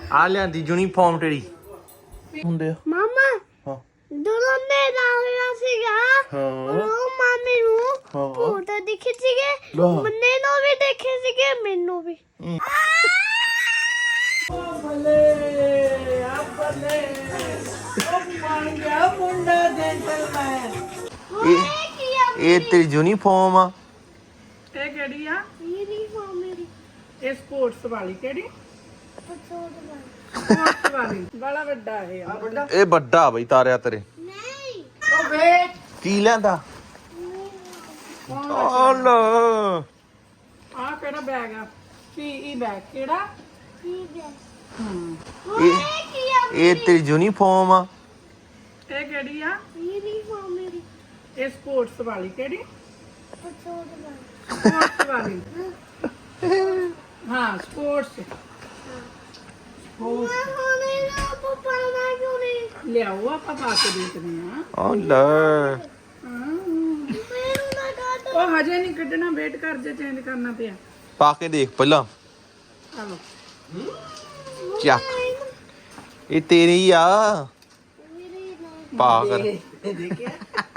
ਆ ਲਿਆਂਦੀ ਯੂਨੀਫਾਰਮ ਤੇਰੀ ਹੁੰਦੇ ਆ ਮਾਮਾ ਹਾਂ ਦੋਨੋਂ ਨੇ ਲਾਇਆ ਸੀਗਾ ਹਾਂ ਉਹ ਮਾਮੀ ਨੂੰ ਹਾਂ ਫੋਟੋ ਦਿਖੇ ਸੀਗੇ ਵਾਹ। ਮੰਨੇ ਨੂੰ ਵੀ ਦੇਖੇ ਸੀਗੇ ਮੈਨੂੰ ਵੀ ਬੱਲੇ ਆ ਬੱਲੇ ਉਹ ਬਣ ਗਿਆ ਮੁੰਡਾ ਜੈਂਟਲਮੈਨ। ਇਹ ਤੇਰੀ ਯੂਨੀਫਾਰਮ ਆ ਇਹ ਕਿਹੜੀ ਆ? ਯੂਨੀਫਾਰਮ ਮੇਰੀ ਇਹ ਸਪੋਰਟਸ ਵਾਲੀ ਕਿਹੜੀ? ਪਛੋੜ ਵਾਲੀ ਸਪੋਰਟਸ ਵਾਲੀ ਬੜਾ ਵੱਡਾ ਇਹ ਆ ਇਹ ਵੱਡਾ ਬਈ ਤਾਰਿਆ ਤੇਰੇ ਨਹੀਂ ਉਹ ਵੇਖ ਕੀ ਲੈਂਦਾ ਓਲਾ ਆ ਕਿਹੜਾ ਬੈਗ ਆ? ਪੀਈ ਬੈਗ ਕਿਹੜਾ? ਠੀਕ ਹੈ ਇਹ ਇਹ ਤੇਰੀ ਯੂਨੀਫਾਰਮ ਆ ਇਹ ਕਿਹੜੀ ਆ? ਯੂਨੀਫਾਰਮ ਮੇਰੀ ਇਹ ਸਪੋਰਟਸ ਵਾਲੀ ਕਿਹੜੀ? ਪਛੋੜ ਵਾਲੀ ਸਪੋਰਟਸ ਵਾਲੀ ਹਾਂ ਸਪੋਰਟਸ ਹੁਣੇ ਨਾ ਪਪਾ ਨਾ ਕਿਉਂ ਨਹੀਂ ਲਿਆਓ ਆਪਾਂ ਪਾ ਕੇ ਦੇਖਦੇ ਆ ਓਲਾ ਮੈਨੂੰ ਨਾ ਕਾਟ ਉਹ ਹਜੇ ਨਹੀਂ ਕੱਢਣਾ ਵੇਟ ਕਰ ਜੇ ਚੇਂਜ ਕਰਨਾ ਪਿਆ ਪਾ ਕੇ ਦੇਖ ਪਹਿਲਾਂ ਚਲੋ ਚੱਕ ਇਹ ਤੇਰੀ ਆ ਮੇਰੀ ਨਾ ਪਾ ਕਰ ਦੇਖਿਆ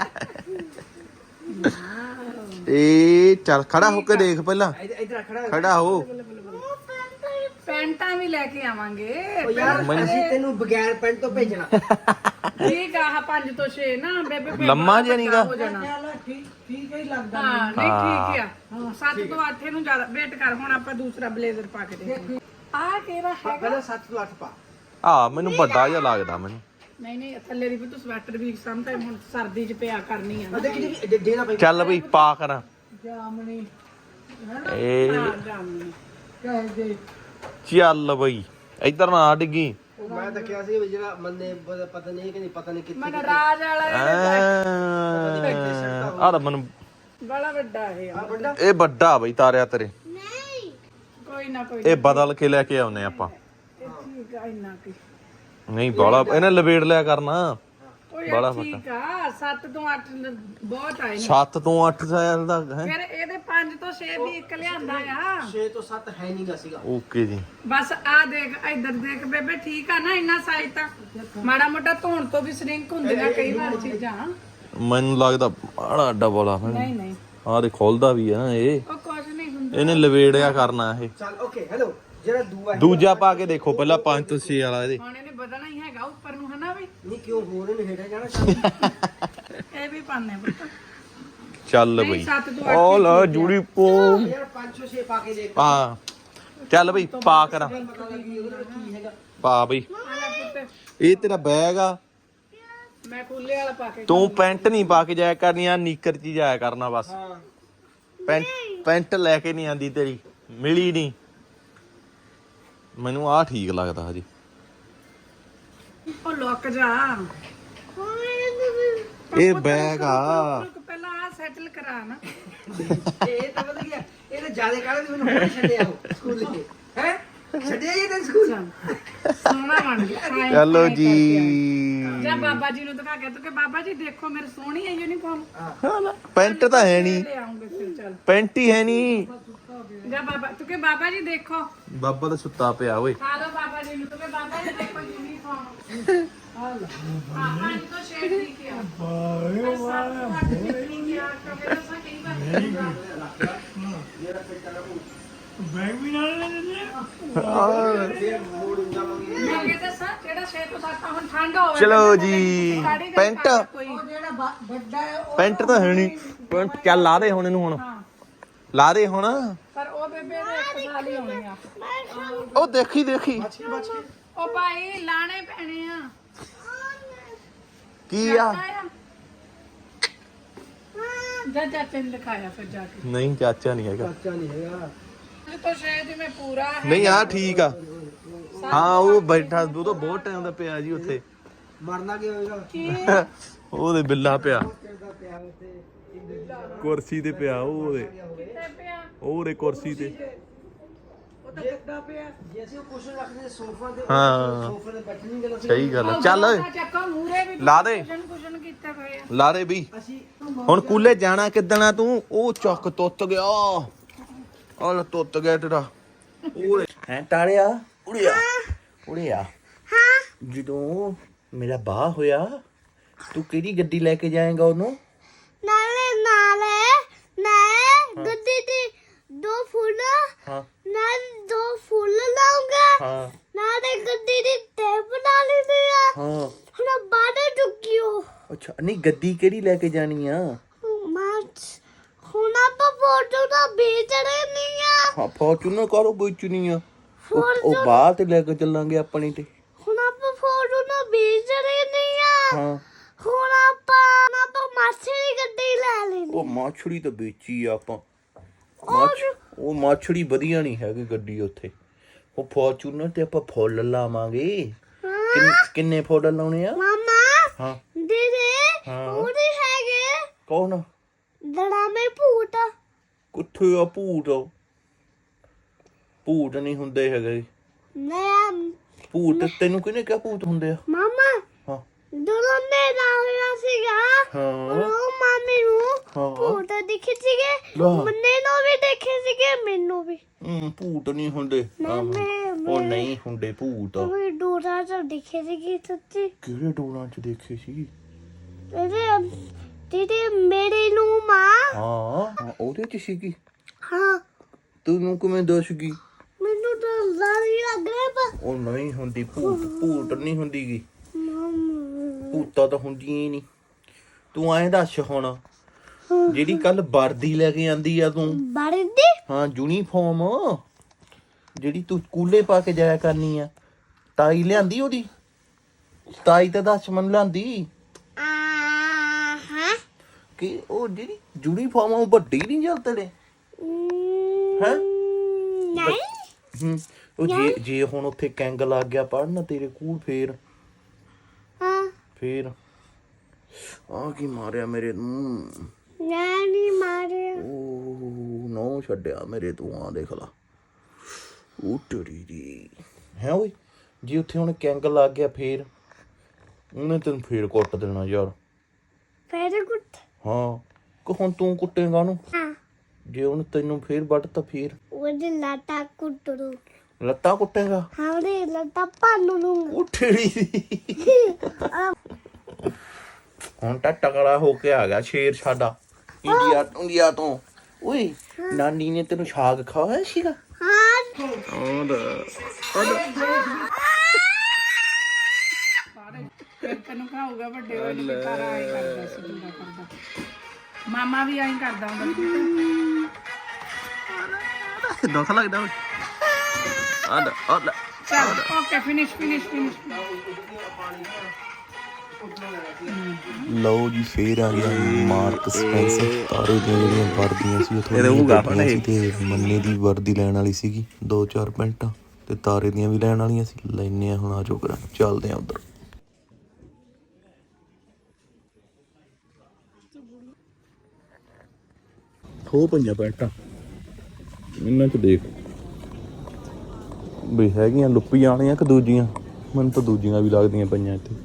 ਇਹ ਚੱਲ ਖੜਾ ਹੋ ਕੇ ਦੇਖ ਪਹਿਲਾਂ ਇਧਰ ਖੜਾ ਹੋ ਉਹ ਪੈਂਟ ਪੈਂਟਾਂ ਵੀ ਲੈ ਕੇ ਆਵਾਂਗੇ ਮੈਨੂੰ- ਅਸੀਂ ਤੈਨੂੰ ਬਗੈਰ ਪੈਂਟ ਤੋਂ ਭੇਜਣਾ। ਠੀਕ ਆ 5 ਤੋਂ 6 ਨਾ ਬੇਬੇ ਬੇਬੇ ਲੰਮਾ ਜਿਹਾ ਨੀਗਾ। ਹੋ ਜਾਣਾ। ਠੀਕ ਠੀਕ ਹੀ ਲੱਗਦਾ। ਹਾਂ ਨਹੀਂ ਠੀਕ ਆ 7 ਤੋਂ 8 ਨੂੰ ਜ਼ਿਆਦਾ ਵੇਟ ਕਰ ਹੁਣ ਆਪਾਂ ਦੂਸਰਾ ਬਲੇਜ਼ਰ ਪਾ ਕੇ ਦੇਖਦੇ ਆ ਕਿਹੜਾ ਹੈਗਾ ਪਹਿਲਾਂ 7 ਤੋਂ 8 ਪਾ। ਆ ਮੈਨੂੰ ਵੱਡਾ ਜਿਹਾ ਲੱਗਦਾ ਮੈਨੂੰ ਨਹੀਂ ਥੱਲੇ ਦੀ ਵੀ ਤੂੰ ਸਵੈਟਰ ਵੀ ਸਮਟਾਈਮ ਹੁਣ ਸਰਦੀ 'ਚ ਪਿਆ ਕਰਨੀ ਆ ਨਾ। ਦੇਖੀ ਡੇਰਾ ਪਈ। ਚੱਲ ਬਈ ਪਾ ਕਰਾਂ ਜਾਮਣੀ ਇਹ ਜਾਮਣੀ ਕਹਦੇ ਚੱਲ ਬਈ ਇੱਧਰ ਨਾ ਡਿੱਗੀ ਮੈਂ ਤਾਂ ਕਿਹਾ ਸੀ ਵੀ ਜਿਹੜਾ ਮੰਨੇ ਪਤਾ ਨਹੀਂ ਕਿ ਨਹੀਂ ਪਤਾ ਨਹੀਂ ਕਿੱਥੇ ਮਨ ਰਾਜ ਵਾਲਾ ਆ ਤਾਂ ਮੈਨੂੰ ਬੜਾ ਵੱਡਾ ਇਹ ਆ। ਇਹ ਵੱਡਾ ਬਈ ਤਾਰਿਆ ਤੇਰੇ ਨਹੀਂ ਕੋਈ ਨਾ ਕੋਈ ਇਹ ਬਦਲ ਕੇ ਲੈ ਕੇ ਆਉਨੇ ਆਪਾਂ ਇਹ ਠੀਕ ਆ ਇੰਨਾ ਕੀ ਨਹੀਂ ਬਾਲਾ ਇਹਨੇ ਲਵੇੜ ਲਿਆ ਕਰਨਾ ਉਹ ਬੜਾ ਯਾਰ ਠੀਕ ਆ 7 ਤੋਂ 8 ਬਹੁਤ ਆਏ ਨੇ 7 ਤੋਂ 8 ਸਾਲ ਦਾ ਹੈ ਫਿਰ ਇਹਦੇ 5 ਤੋਂ 6 ਵੀ ਇੱਕ ਲਿਆਂਦਾ ਆ 6 ਤੋਂ 7 ਹੈ ਨਹੀਂਗਾ ਸੀਗਾ। ਓਕੇ ਜੀ ਬਸ ਆ ਦੇਖ ਇੱਧਰ ਦੇਖ ਬੇਬੇ ਠੀਕ ਆ ਨਾ ਇੰਨਾ ਸਾਈਜ਼ ਤਾਂ ਮਾੜਾ ਮੋਟਾ ਧੋਣ ਤੋਂ ਵੀ ਸ਼ਰਿੰਕ ਹੁੰਦੀਆਂ ਕਈ ਵਾਰ ਚੀਜ਼ਾਂ ਮੈਨੂੰ ਲੱਗਦਾ ਬੜਾ ਡਬਲ ਆ ਨਹੀਂ ਆ ਦੇ ਖੋਲਦਾ ਵੀ ਆ ਇਹ ਉਹ ਕੁਝ ਨਹੀਂ ਹੁੰਦਾ ਇਹਨੇ ਲਵੇੜਿਆ ਕਰਨਾ ਇਹ ਚੱਲ ਓਕੇ ਹੈਲੋ ਜਿਹੜਾ ਦੂਆ ਦੂਜਾ ਪਾ ਕੇ ਦੇਖੋ ਪਹਿਲਾਂ 5 ਤੋਂ 6 ਵਾਲਾ ਇਹਦੇ ਹੁਣ ਇਹਨੇ ਵਧਣਾ ਹੀ ਹੈਗਾ ਉੱਪਰ ਨੂੰ ਹਨਾ ਵੀ ਨਹੀਂ ਕਿਉਂ ਹੋ ਰਹੇ ਨੇ ਹੇਠਾਂ ਜਾਣਾ। ਇਹ ਵੀ ਪਾਣੇ ਪੁੱਤ ਚੱਲ ਨਹੀਂ, ਬਈ 7 ਤੋਂ 8 ਉਹ ਲਾ ਜੂੜੀ ਪੋ ਯਾਰ 5 ਤੋਂ 6 ਪਾ ਕੇ ਦੇਖ ਹਾਂ ਚੱਲ ਬਈ ਪਾ ਕਰਾਂ ਪਤਾ ਲੱਗੀ ਉਹਦਾ ਕੀ ਹੈਗਾ। ਪਾ ਬਈ ਆ ਲੈ ਪੁੱਤ ਇਹ ਤੇਰਾ ਬੈਗ ਆ ਮੈਂ ਖੁੱਲੇ ਵਾਲਾ ਪਾ ਕੇ ਤੂੰ ਪੈਂਟ ਨਹੀਂ ਪਾ ਕੇ ਜਾਇਆ ਕਰਨੀ ਆ ਨੀਕਰ ਚ ਹੀ ਜਾਇਆ ਕਰਨਾ ਬਸ ਹਾਂ ਪੈਂਟ ਲੈ ਕੇ ਨਹੀਂ ਆਂਦੀ ਤੇਰੀ ਮਿਲੀ ਨਹੀਂ ਮੈਨੂੰ ਆਹ ਠੀਕ ਲੱਗਦਾ ਹਜੇ ਉਹ ਲੁੱਕ ਜਾ ਇਹ ਬੈਗ ਆ ਰੁਕ ਪਹਿਲਾਂ ਆ ਸੈਟਲ ਕਰਾ ਨਾ ਇਹ ਤਾਂ ਪਤਾ ਕੀ ਆ, ਇਹ ਤਾਂ ਜਿਆਦਾ ਕਾਲੇ ਮੈਨੂੰ ਹੋਰ ਛੱਡਿਆ ਉਹ ਸਕੂਲ ਦੇ ਹੈ ਛੱਡਿਆ ਇਹ ਤਾਂ ਸਕੂਲ। ਸੋਹਣਾ ਬਣ ਗਿਆ ਚਲੋ ਜੀ ਜਾ ਬਾਬਾ ਜੀ ਨੂੰ ਦਿਖਾ ਕੇ ਤੂੰ ਕਿ ਬਾਬਾ ਜੀ ਦੇਖੋ ਮੇਰੀ ਸੋਹਣੀ ਹੈ ਯੂਨੀਫਾਰਮ ਪੈਂਟ ਤਾਂ ਹੈ ਨਹੀਂ ਲੈ ਆਉਂਗੇ ਫਿਰ ਚੱਲ ਪੈਂਟ ਹੀ ਹੈ ਨਹੀਂ ਜਾ ਬਾਬਾ ਤੂੰ ਕਿ ਬਾਬਾ ਜੀ ਦੇਖੋ ਬਾਬਾ ਤਾਂ ਸੁੱਤਾ ਪਿਆ ਓਏ ਖਾ ਲਓ ਬਾਬਾ ਜੀ ਨੂੰ ਤੂੰ ਕਿ ਬਾਬਾ ਜੀ ਦੇਖੋ ਯੂਨੀਫਾਰਮ ਹਾਂ ਪੰਜ ਤੋਂ ਛੇ ਠੀਕ ਆ ਬੈਗ ਵੀ ਨਾਲ ਲੈ ਲੈਂਦੇ ਚਲੋ ਜੀ ਪੈਂਟ ਪੈਂਟ ਤਾਂ ਹੈ ਨਹੀਂ ਪੈਂਟ ਚੱਲ ਲਾ ਦੇ ਹੁਣ ਇਹਨੂੰ ਹੁਣ ਲਾ ਦੇ ਹੁਣ ਪਰ ਉਹ ਬੇਬੇ ਦੇ ਇੱਕ ਸਾਲ ਹੀ ਹੋਣੇ ਆ ਉਹ ਦੇਖੀ ਦੇਖੀ ਉਹ ਭਾਈ ਲਾਣੇ ਪੈਣੇ ਆ ਕੀ ਆ ਜਾ ਚਾਚੇ ਨੇ ਲਿਖਾਇਆ ਫਿਰ ਜਾ ਕੇ ਨਹੀਂ ਚਾਚਾ ਨਹੀਂ ਹੈਗਾ ਬੱਚਾ ਨਹੀਂ ਹੈਗਾ। ਇਹ ਤਾਂ ਸ਼ਾਇਦ ਮੈਂ ਪੂਰਾ ਹੈ ਨਹੀਂ ਆ ਠੀਕ ਆ ਹਾਂ ਉਹ ਬੈਠਾ ਉਹ ਤਾਂ ਬਹੁਤ ਟਾਈਮ ਦਾ ਪਿਆ ਜੀ ਉੱਥੇ ਮਰਨਾ ਕੀ ਹੋਏਗਾ। ਕੀ ਉਹਦੇ ਬਿੱਲਾ ਪਿਆ ਕਰਦਾ ਪਿਆ ਉੱਥੇ ਕੁਰਸੀ ਤੇ ਪਿਆ ਉਹਦੇ ਕਿੱਥੇ ਪਿਆ ਉਹਦੇ ਕੁਰਸੀ ਤੇ ਉਹ ਤਾਂ ਕਿੱਦਾਂ ਪਿਆ ਜੇ ਅਸੀਂ ਉਹ ਕੁਸ਼ਨ ਰੱਖਦੇ ਸੋਫਾ ਤੇ ਹਾਂ ਸੋਫੇ ਤੇ ਬੈਠਣੀ ਗੱਲ ਅਸੀਂ ਸਹੀ ਗੱਲ ਆ। ਚੱਲ ਚੱਕਾ ਮੂਰੇ ਵੀ ਲਾ ਦੇ ਕੁਸ਼ਨ ਕੀਤੇ ਪਏ ਆ ਲਾ ਦੇ ਵੀ ਅਸੀਂ ਹੁਣ ਕੂਲੇ ਜਾਣਾ ਕਿੱਦਣਾ ਤੂੰ ਉਹ ਚੱਕ ਤੁੱਤ ਗਿਆ ਆਹ ਤੁੱਤ ਗਿਆ ਤੇਰਾ ਉਹਦੇ ਹੈ ਟਾਲਿਆ ਉੜਿਆ ਉਰੇ ਆ ਹਾਂ ਜਦੋਂ ਮੇਰਾ ਬਾਹ ਹੋਇਆ ਤੂੰ ਕਿਹੜੀ ਗੱਡੀ ਲੈ ਕੇ ਜਾਏਗਾ ਉਹਨੂੰ? ਨਾਲੇ ਮੈਂ ਗੱਡੀ ਦੀ 2 ਫੁੱਲ ਹਾਂ ਨਾਲ 2 ਫੁੱਲ ਲਾਉਂਗਾ ਹਾਂ ਨਾਲੇ ਗੱਡੀ ਦੀ ਟੇਪ ਨਾਲ ਲੈਂਦੀ ਆ ਹਾਂ ਹੁਣ ਬਾਹਰ ਚੁੱਕਿਓ ਅੱਛਾ ਨਹੀਂ ਗੱਡੀ ਕਿਹੜੀ ਲੈ ਕੇ ਜਾਣੀ ਆ? ਮਾਚ ਹੁਣ ਆਪਾਂ ਫੋਟੋ ਦਾ ਵੇਚਣੇ ਨਹੀਂ ਆ ਹਾਂ ਫੋਰਚੂਨਰ ਕਾਰੋ ਵੇਚਣੀ ਆ ਉਹ ਬਾਹਰ ਤੇ ਲੈ ਕੇ ਚੱਲਾਂਗੇ ਆਪਣੀ ਤੇ ਹੁਣ ਆਪਾਂ ਫੋਟੋ ਦਾ ਵੇਚਣੇ ਨਹੀਂ ਆ ਹਾਂ ਹੁਣ ਆਪਾਂ ਮਾਛੀ ਦੀ ਗੱਡੀ ਲੈ ਲੈਣੀ ਉਹ ਮਾਛੜੀ ਤਾਂ ਵੇਚੀ ਆ ਆਪਾਂ ਉਹ ਮਾਛੜੀ ਵਧੀਆ ਨਹੀਂ ਹੈਗੀ ਗੱਡੀ ਉੱਥੇ ਉਹ ਫੋਰਚੂਨਰ ਤੇ ਆਪਾਂ ਫੁੱਲ ਲਾਵਾਂਗੇ ਕਿੰਨੇ ਫੁੱਲ ਲਾਉਣੇ ਆ? ਮਾਮਾ ਹਾਂ ਦੀਦੀ ਹਾਂ। ਉਹਦੇ ਹੈਗੇ ਕੌਣ? ਦੜਾਮੇ ਭੂਤ ਕਿੱਥੇ ਆ ਭੂਤ? ਭੂਤ ਨਹੀਂ ਹੁੰਦੇ ਹੈਗੇ ਮੈਂ ਭੂਤ ਤੈਨੂੰ ਕਿਹਨੇ ਕਿਹਾ ਭੂਤ ਹੁੰਦੇ ਆ? ਮਾਮਾ ਹਾਂ ਜਦੋਂ ਮੇਰਾ ਹੋਇਆ ਸੀਗਾ ਹਾਂ ਉਹ ਮਾਮੀ ਨੂੰ ਹਾਂ। ਭੂਤ ਦਿਖੇ ਸੀਗੇ ਲਾ। ਮੰਨੇ ਨੂੰ ਵੀ ਦੇਖੇ ਸੀਗੇ ਮੈਨੂੰ ਵੀ ਭੂਤ ਨਹੀਂ ਹੁੰਦੇ ਉਹ ਨਹੀਂ ਹੁੰਦੇ ਭੂਤ ਉਹ ਡੋਰਾ ਚ ਦਿਖੇ ਸੀਗੇ ਸੱਚੀ ਕਿਹੜੇ ਡੋਰਾਂ 'ਚ ਦੇਖੇ ਸੀ? ਇਹਦੇ ਦੀਦੀ ਮੇਰੇ ਨੂੰ ਮਾਂ ਹਾਂ ਉਹਦੇ 'ਚ ਸੀਗੀ ਹਾਂ ਤੈਨੂੰ ਕਿਵੇਂ ਦੱਸ ਗਈ? ਮੈਨੂੰ ਤਾਂ ਡਰ ਹੀ ਲੱਗ ਰਿਹਾ ਪਰ ਉਹ ਨਹੀਂ ਹੁੰਦੀ ਭੂਤ ਨਹੀਂ ਹੁੰਦੀ ਗੀ ਮਾਮਾ ਭੂਤਾਂ ਤਾਂ ਹੁੰਦੀਆਂ ਹੀ ਨਹੀਂ ਤੂੰ ਐਂ ਦੱਸ ਹੁਣ ਜਿਹੜੀ ਕੱਲ ਵਰਦੀ ਲੈ ਕੇ ਆਂਦੀ ਆ ਤੂੰ ਬਰਦੀ ਹਾਂ ਯੂਨੀਫਾਰਮ ਜਿਹੜੀ ਤੂੰ ਸਕੂਲੇ ਪਾ ਕੇ ਜਾਇਆ ਕਰਨੀ ਆ ਤਾਈ ਲਿਆਂਦੀ ਉਹਦੀ ਤਾਈ ਤਾਂ ਦੱਸ ਮਨ ਲਿਆਂਦੀ ਹਾਂ ਕਿ ਉਹ ਜਿਹੜੀ ਯੂਨੀਫਾਰਮ ਉਹ ਵੱਡੀ ਨਹੀਂ ਚੱਲਦੇ ਹੈ ਨਹੀਂ ਉਹ ਜੇ ਹੁਣ ਉੱਥੇ ਕੈਂਗ ਲੱਗ ਗਿਆ ਪੜਨ ਤੇਰੇ ਕੋਲ ਫੇਰ ਆ ਕੀ ਮਾਰਿਆ ਮੇਰੇ ਨੂੰ ਨਹੀਂ ਮਾਰਿਆ ਉਹ ਨੋ ਛੱਡਿਆ ਮੇਰੇ ਤੂੰ ਆ ਦੇਖ ਲਾ ਉਹ ਟੜੀ ਦੀ ਹੈ ਓਏ ਜੇ ਉੱਥੇ ਹੁਣ ਕੈਂਗ ਲੱਗ ਗਿਆ ਫੇਰ ਉਹਨੇ ਤੈਨੂੰ ਫੇਰ ਕੁੱਟ ਦੇਣਾ ਯਾਰ ਫੇਰ ਕੁੱਟ ਹਾਂ ਕਿ ਹੁਣ ਤੂੰ ਕੁੱਟੇਗਾ ਉਹਨੂੰ ਹਾਂ ਜੇ ਉਹਨੇ ਤੈਨੂੰ ਫੇਰ ਵੱਢ ਤਾਂ ਫੇਰ ਉਹਦੇ ਲਾਟਾ ਕੁੱਟੂ ਲੱਤਾਂ ਕੁੱਟੇਗਾ ਹਾਂ ਉਹਦੇ ਲਾਟਾ ਪਾਨੂ ਨੂੰ ਉਹ ਟੜੀ ਦੀ ਹੁਣ ਤਾਂ ਟਕਰਾ ਹੋ ਕੇ ਆ ਗਿਆ ਸ਼ੇਰ ਸਾਡਾ ਇੰਡੀਆ ਤੋਂ ਓਏ ਨਾਨੀ ਨੇ ਤੈਨੂੰ ਸਾਗ ਖਵਾਇਆ ਸੀਗਾ ਹਾਂ ਤੈਨੂੰ ਖਾਊਗਾ ਵੱਡੇ ਹੋਏ ਨੇ ਤਾਰਾ ਆਈ ਕਰਦਾ ਸੀ ਮੁੰਡਾ ਕਰਦਾ ਮਾਮਾ ਵੀ ਆਈ ਕਰਦਾ ਹੁੰਦਾ ਦੁੱਖ ਲੱਗਦਾ ਓਏ ਚਲ ਓਕੇ ਫਿਨਿਸ਼ ਲਓ ਜੀ ਫੇਰ ਆ ਗਿਆ ਮਾਰਕ ਸਪੈਂਸਰ ਤਾਰੇ ਦੀਆਂ ਜਿਹੜੀਆਂ ਵਰਦੀਆਂ ਸੀ ਉਹ ਥੋੜ੍ਹੀਆਂ ਸੀ ਤੇ ਮੰਨੇ ਦੀ ਵਰਦੀ ਲੈਣ ਵਾਲੀ ਸੀਗੀ 2-4 ਪੈਂਟਾਂ ਤੇ ਤਾਰੇ ਦੀਆਂ ਵੀ ਲੈਣ ਵਾਲੀਆਂ ਸੀ ਲੈਨੇ ਆ ਹੁਣ ਆਜੋ ਕਰਾਂ ਚੱਲਦੇ ਆ ਉਧਰ ਹੋ ਪੰਜਾਂ ਪੈਂਟਾਂ ਇਹਨਾਂ ਚ ਦੇਖ ਵੀ ਹੈਗੀਆਂ ਲੁੱਪੀਆਂ ਵਾਲੀਆਂ ਕਿ ਦੂਜੀਆਂ ਮੈਨੂੰ ਤਾਂ ਦੂਜੀਆਂ ਵੀ ਲੱਗਦੀਆਂ ਪਈਆਂ ਇੱਥੇ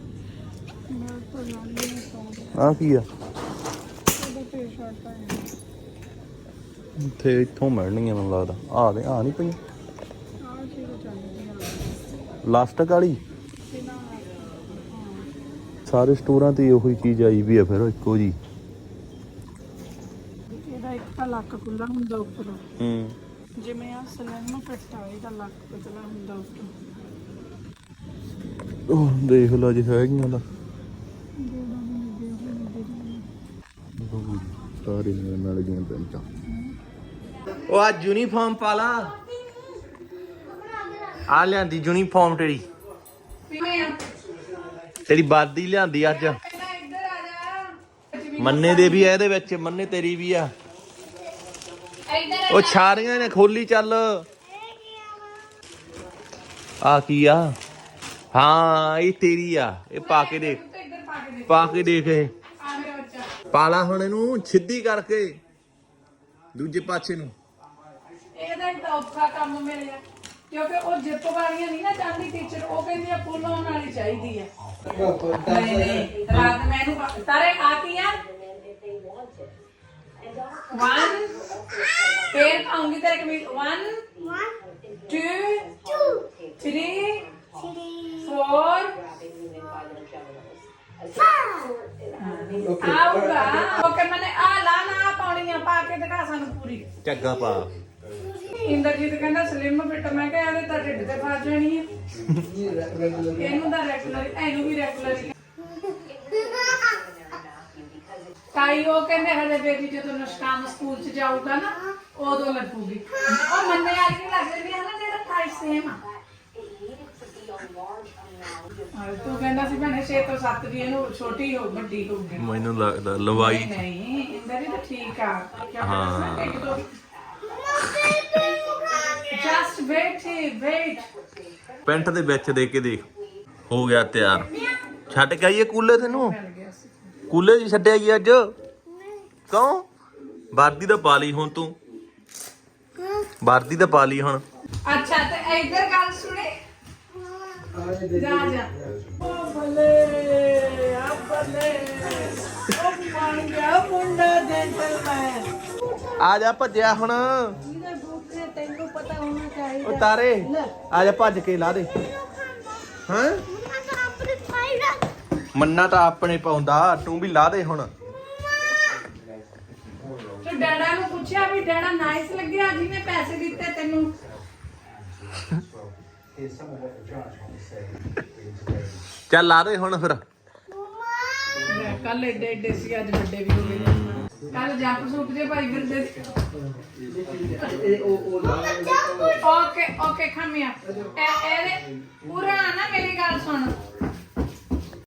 ਆ ਕੀ ਆ ਇੱਥੇ ਇੱਥੋਂ ਮਿਲਣਗੀਆਂ ਮੈਨੂੰ ਲੱਗਦਾ ਆ ਨਹੀਂ ਪਈਆਂ ਲਾਸਟਿਕ ਵਾਲੀ ਸਾਰੇ ਸਟੋਰਾਂ ਤੇ ਉਹੀ ਚੀਜ਼ ਆਈ ਵੀ ਆ ਫਿਰ ਇੱਕੋ ਜੀ ਇਹਦਾ ਇੱਕ ਤਾਂ ਲੱਕ ਖੁੱਲਾ ਹੁੰਦਾ ਉੱਪਰੋਂ ਜਿਵੇਂ ਆ ਸਲੈਮ ਫਿੱਟ ਆ ਇਹਦਾ ਲੱਕ ਪਤਲਾ ਹੁੰਦਾ ਉੱਪਰੋਂ ਉਹ ਦੇਖ ਲਓ ਜੀ ਹੈਗੀਆਂ ਦਾ ਸਾਰੇ ਨਾਲ ਦੀਆਂ ਪੈਂਟਾਂ ਉਹ ਆ ਯੂਨੀਫਾਰਮ ਪਾ ਲਾ ਆ ਲਿਆਂਦੀ ਯੂਨੀਫਾਰਮ ਤੇਰੀ ਵਰਦੀ ਲਿਆਂਦੀ ਅੱਜ ਮੰਨੇ ਦੇ ਵੀ ਆ ਇਹਦੇ ਵਿੱਚ ਮੰਨੇ ਤੇਰੀ ਵੀ ਆ ਉਹ ਛਾਰੀਆਂ ਨੇ ਖੋਲੀ ਚੱਲ ਆ ਕੀ ਆ ਹਾਂ ਇਹ ਤੇਰੀ ਆ ਇਹ ਪਾ ਕੇ ਦੇਖ ਇਹ ਪਾਲਾ ਹੁਣ ਇਹਨੂੰ ਸਿੱਧੀ ਕਰਕੇ ਦੂਜੇ ਪਾਸੇ ਨੂੰ ਇਹਦਾ ਇੱਕ ਔਖਾ ਕੰਮ ਮਿਲਿਆ ਕਿਉਂਕਿ ਉਹ ਜਿੱਪ ਵਾਲੀਆਂ ਨਹੀਂ ਨਾ ਚਾਹੁੰਦੀ ਟੀਚਰ ਉਹ ਕਹਿੰਦੀ ਆ ਫੁੱਲ ਹੋਣ ਵਾਲੀ ਚਾਹੀਦੀ ਹੈ ਨਹੀਂ ਰਾਤ ਮੈਨੂੰ ਤਾਰੇ ਆਤੀ ਆ 1 ਫੇਰ ਆਉਂਗੀ ਤੇਰੇ ਕਮੀਜ਼ 1 2 3 ਸਾਨੂੰ ਪੂਰੀ। ਝੱਗਾ ਪਾ। ਇੰਦਰਜੀਤ ਕਹਿੰਦਾ ਸਲਿਮ ਫਿੱਟ, ਮੈਂ ਕਿਹਾ ਇਹਦੇ ਤਾਂ ਢਿੱਡ ਤੇ ਫਸ ਜਾਣੀ ਹੈ, ਇਹਨੂੰ ਤਾਂ ਰੈਗੂਲਰ, ਇਹਨੂੰ ਵੀ ਰੈਗੂਲਰ। ਤਾਈ ਉਹ ਕਹਿੰਦੇ ਹਜੇ ਬੇਬੀ ਜਦੋਂ ਨਸ਼ਕਾਮ ਸਕੂਲ ਚ ਜਾਊਗਾ ਨਾ ਉਦੋਂ ਲੱਗੂਗੀ। ਉਹ ਮੰਨੇ ਵਾਲੀ ਨਹੀਂ ਲੱਗ ਰਹੀ ਹੈ ਨਾ, ਜਿਹੜਾ ਤਾਈ ਸੇਮ ਆ। ਤੂੰ ਕਹਿੰਦਾ ਸੀ ਭੈਣੇ 6 ਤੋਂ 7 ਦੀ, ਇਹਨੂੰ ਛੋਟੀ ਹੋ ਵੱਡੀ ਹੋਊਗੀ। ਮੈਨੂੰ ਲੱਗਦਾ ਲਵਾਈ ਨਹੀਂ ਇੰਦਰ ਤਾਂ ਠੀਕ ਆ। ਹਾਂ ਇੱਕ ਦੋ ਜਸਟ ਵੇਟ। ਪੈਂਟ ਦੇ ਵਿੱਚ ਦੇ ਕੇ ਦੇਖ, ਹੋ ਗਿਆ ਤਿਆਰ। ਛੱਡ ਕੇ ਆਈਏ ਕੂਲੇ ਤੈਨੂੰ, ਕੂਲੇ ਜੀ ਛੱਡਿਆ ਗਈ ਅੱਜ। ਕਿਉਂ? ਵਰਦੀ ਤਾਂ ਪਾ ਲਈ ਹੁਣ ਤੂੰ, ਵਰਦੀ ਤਾਂ ਪਾ ਲਈ ਹੁਣ। ਅੱਛਾ ਤੇ ਇੱਧਰ ਗੱਲ ਸੁਣੇ, ਜਾ ਉਹ ਬੱਲੇ ਆ ਬੱਲੇ, ਉਹ ਬਣ ਗਿਆ ਮੁੰਡਾ ਜੈਂਟਲਮੈਨ। ਆ ਜਾ ਭੱਜਿਆ ਹੁਣ, ਤੈਨੂੰ ਪਤਾ ਹੋਣਾ ਚਾਹੀਦਾ। ਉਹ ਤਾਰੇ ਆ ਜਾ ਭੱਜ ਕੇ ਲਾ ਦੇ। ਹਾਂ ਮੰਨਾ ਤਾਂ ਆਪਣੇ ਪਾਉਂਦਾ, ਤੂੰ ਵੀ ਲਾ ਦੇ ਹੁਣ। ਤੂੰ ਡੈਡਾ ਨੂੰ ਪੁੱਛਿਆ ਵੀ ਡੈਡਾ ਨਾਈਸ ਲੱਗਿਆ ਜਿਹਨੇ ਪੈਸੇ ਦਿੱਤੇ ਤੈਨੂੰ? ਚੱਲ ਲਾ ਦੇ ਹੁਣ ਫਿਰ। ਕੱਲ ਏਡੇ ਸੀ, ਅੱਜ ਵੱਡੇ ਵੀ ਹੋ ਗਏ। ਕੱਲ ਜੰਪ ਸੂਟ ਜੇ ਭਾਈ ਫਿਰਦੇ ਸੀ। Okay come here. ਇਹਦੇ ਪੂਰਾ ਨਾ ਮੇਰੀ ਗੱਲ ਸੁਣ,